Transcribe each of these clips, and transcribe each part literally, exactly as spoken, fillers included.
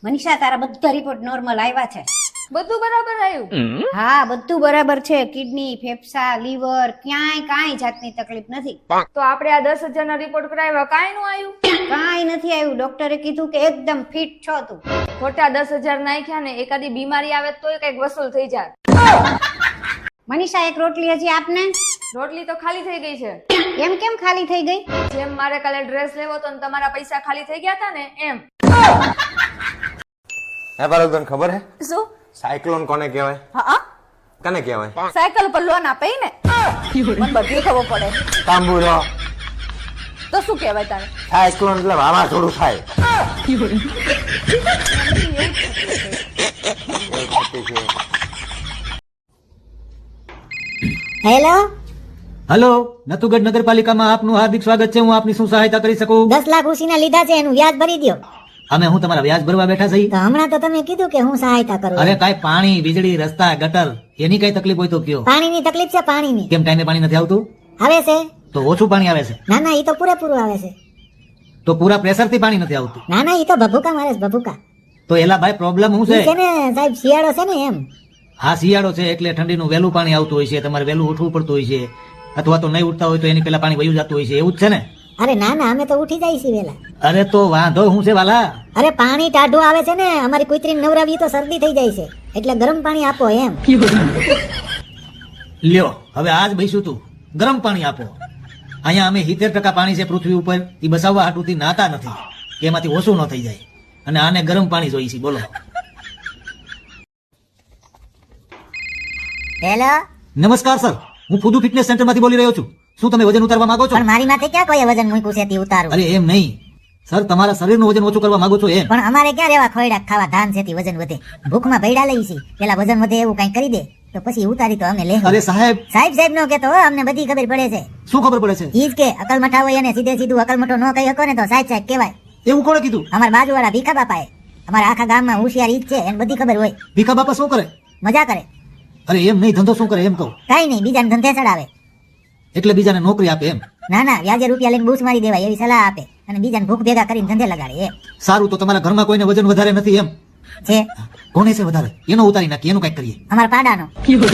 મનીષા, તારા બધા report normal આવ્યા છે. બધું બરાબર આવ્યું? હા, બધું બરાબર છે. કિડની, ફેફસા, લીવર, ક્યાંય કાંઈ જાતની તકલીફ નથી. તો આપણે આ દસ હજાર ના રિપોર્ટ કરાવ્યા, કાંઈ નું આવ્યું? કાંઈ નથી આવ્યું. ડોક્ટરે કીધું કે એકદમ ફિટ છો તું. ખોટા દસ હજાર નાખ્યા ને એકાદી બીમારી આવે તોય કઈક વસૂલ થઈ જાય. મનીષા, એક રોટલી હજી આપને. રોટલી તો ખાલી થઈ ગઈ છે. એમ કેમ ખાલી થઈ ગઈ? જેમ મારે કાલે ડ્રેસ લેવો તો ને તમારા પૈસા ખાલી થઈ ગયા હતા ને એમ. હે પારુલબેન, ખબર હે શું? સાયક્લોન કોને કહેવાય? હા, કને કહેવાય? સાયકલ પર લોન આપે ને, મને બધી ખબર પડે. તાંબુરો. તો શું કહેવાય તારે? સાયક્લોન એટલે વાવાઝોડું થાય. હેલો હલો, નતુગઢ નગરપાલિકામાં આપનું હાર્દિક સ્વાગત છે. હું આપની શું સહાયતા કરી શકું? દસ લાખ ઉછીના લીધા છે, એનું વ્યાજ ભરી દ્યો. અમે હું તમારા વ્યાજ ભરવા બેઠા છીએ? તો હમણાં તો તમે કીધું કે હું સહાયતા કરું. અરે કાંઈ પાણી, વીજળી, રસ્તા, ગટર એની કઈ તકલીફ હોય તો કયો. પાણીની તકલીફ છે, પાણીની. કેમ ટાઈમે પાણી નથી આવતું? આવે છે. તો ઓછું પાણી આવે છે? ના ના, ઈ તો પૂરેપૂરું આવે છે. તો પૂરા પ્રેશર થી પાણી નથી આવતું? ના ના, ઈ તો ભભૂકા મારે છે, ભભૂકા. તો એલા ભાઈ પ્રોબ્લેમ શું ઈ છે છે? ને સાહેબ, શિયાળો છે ને એમ. હા, શિયાળો છે એટલે ઠંડીનું વહેલું પાણી આવતું હોય છે, તમારે વહેલું ઉઠવું પડતું હોય છે, અથવા તો નહીં ઉઠતા હોય તો એની પેલા પાણી વયું જતું હોય છે, એવું જ છે ને? અરે ના ના, અમે તો ઉઠી જાય છીએ વેલા. અરે તો વાંધો શું છે વાલા? અરે પાણી ટાઢું આવે છે ને, અમારી કુતરી નવરાવી તો શરદી થઈ જાય છે, એટલે ગરમ પાણી આપો એમ. લ્યો, હવે આજ બેસું તું, ગરમ પાણી આપો. અહીંયા અમે સિત્તેર ટકા પાણી છે પૃથ્વી ઉપર, એ બસાવવા હાટુથી નાતા નથી કે એમાંથી ઓછું ન થઈ જાય, અને આને ગરમ પાણી જોઈએ છે. બોલો. હેલો, નમસ્કાર સર, હું ફૂદુ ફિટનેસ સેન્ટર માંથી બોલી રહ્યો છું. શું તમે વજન ઉતારવા માંગો છો? પણ મારી માથે ક્યાં કોઈ વજન મૂક્યું છે તે ઉતારું? અરે એમ નહીં સર, તમારા શરીરનું વજન ઓછું કરવા માંગો છો એમ? પણ અમારે ક્યાં રેવા ખોયડા ખાવા ધાન છે તે વજન વધે? ભૂખમાં ભૈડા લઈ છી, પેલા વજન વધે એવું કઈ કરી દે તો પછી ઉતારી તો અમે લે. અરે સાહેબ સાહેબ સાહેબ નો કેતો હો, અમને બધી ખબર પડે છે. શું ખબર પડે છે? ઈ જ કે અકલ મઠા હોય અને સીધે સીધું અકલ મઠો ન કહી શકો ને તો સાહેબ સાહેબ કહેવાય. એવું કોણે કીધું? અમારા બાજુવાળા ભીખા બાપાએ. અમારા આખા ગામમાં હોશિયાર ઈ જ છે, એને બધી ખબર હોય. ભીખા બાપા શું કરે? મજા કરે. અરે એમ નહીં, ધંધો શું કરે એમ કહું? કઈ નહીં, બીજાને ધંધે ચડાવે. એટલે બીજાને નોકરી આપે એમ? ના ના, વ્યાજે રૂપિયા લઈને બૂસ મારી દેવાય એવી સલાહ આપે, અને બીજાને ભૂખ ભેગા કરીને ધંધે લગાડે એમ. સારું, તો તમારા ઘરમાં કોઈને વજન વધારે નથી એમ? છે. કોને છે વધારે? એનો ઉતારી નાખીએ, એનું કઈક કરીએ. અમારા પાડાનો.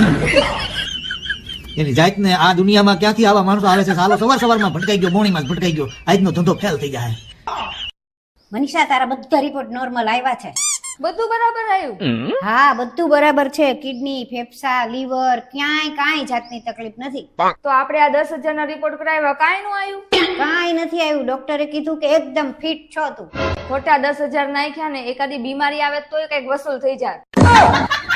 એની જાતને આ દુનિયામાં ક્યાંથી આવા માણસો આવે છે? સાલો સવાર સવારમાં ભટકાઈ ગયો, મોણીમાં જ ભટકાઈ ગયો, આજનો ધંધો ફેલ થઈ જાય. મનીષા, તારા બધા રિપોર્ટ નોર્મલ આવ્યા છે. બધું બરાબર આવ્યું? હા, બધું બરાબર છે. કિડની, ફેફસા, લીવર, ક્યાંય કાંઈ જાતની તકલીફ નથી. તો આપણે આ દસ હજાર ના રિપોર્ટ કરાવ્યા, કાંઈ નું આવ્યું? કાંઈ નથી આવ્યું. ડોક્ટરે કીધું કે એકદમ ફિટ છો તું. ખોટા દસ હજાર નાખ્યા ને એકાદી બીમારી આવે તોય કઈક વસૂલ થઈ જાય.